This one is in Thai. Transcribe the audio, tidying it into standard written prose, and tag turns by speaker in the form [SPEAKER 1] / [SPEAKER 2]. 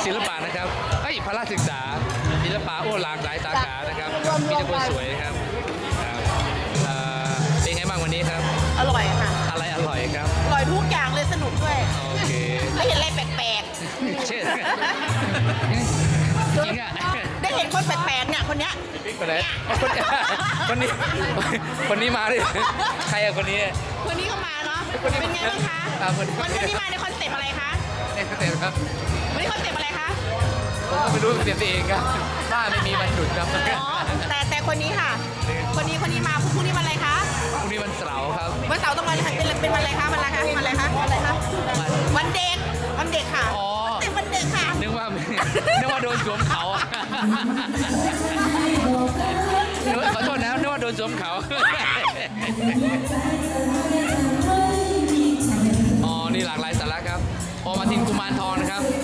[SPEAKER 1] ศิลปะนะครับพละศึกษาศิลปะโอ้หลากหลายสาขานะครับมีแต่คนสวยนะครับเป็นไงบ้างวันนี้ครับ
[SPEAKER 2] อร่อยค่ะ
[SPEAKER 1] อะไรอร่อยครับ
[SPEAKER 2] อร่อยทุกอย่างเลยสนุกด้วย
[SPEAKER 1] โอเค
[SPEAKER 2] ได้เห็นอะไรแปลก
[SPEAKER 1] เช่นจริงอ่ะ
[SPEAKER 2] ๆ ได้เห็นคนแปลกๆเนี่ยคนเนี้ย
[SPEAKER 1] คนไหนคนนี้คนนี้มาดิใครอะคนนี้
[SPEAKER 2] คนนี้ก็มาเนาะเป็นไงบ้างคะ
[SPEAKER 1] คนนี้
[SPEAKER 2] มาในคอนเซ็ปต์อะไรคะ
[SPEAKER 1] ในสเต็ปครับ
[SPEAKER 2] วันนี้คอนเซ็ปต์อะไรคะ
[SPEAKER 1] ผมก็ไม่รู้สเต็ปตัวเองครับบ้านไม่มีวันหยุดครับ
[SPEAKER 2] อ๋อแต่คนนี้ค่ะ คนนี้มาพรุ่งนี้วันอะไรคะ
[SPEAKER 1] พรุ่งนี้วันเสาร์ครับ
[SPEAKER 2] วันเสาร์ต้องวันอะไรเป็นวันอะไรคะวันอะไรคะวันอะไรคะวันเด็กค่ะ
[SPEAKER 1] อ๋อ
[SPEAKER 2] แต่วันเด็กค่ะ
[SPEAKER 1] นึกว่าโดนสวมเขาขอโทษนะนึกว่าโดนสวมเขาอ๋อนี่หลากหลายสาระครับพอมาทินกุมารทองนะครับ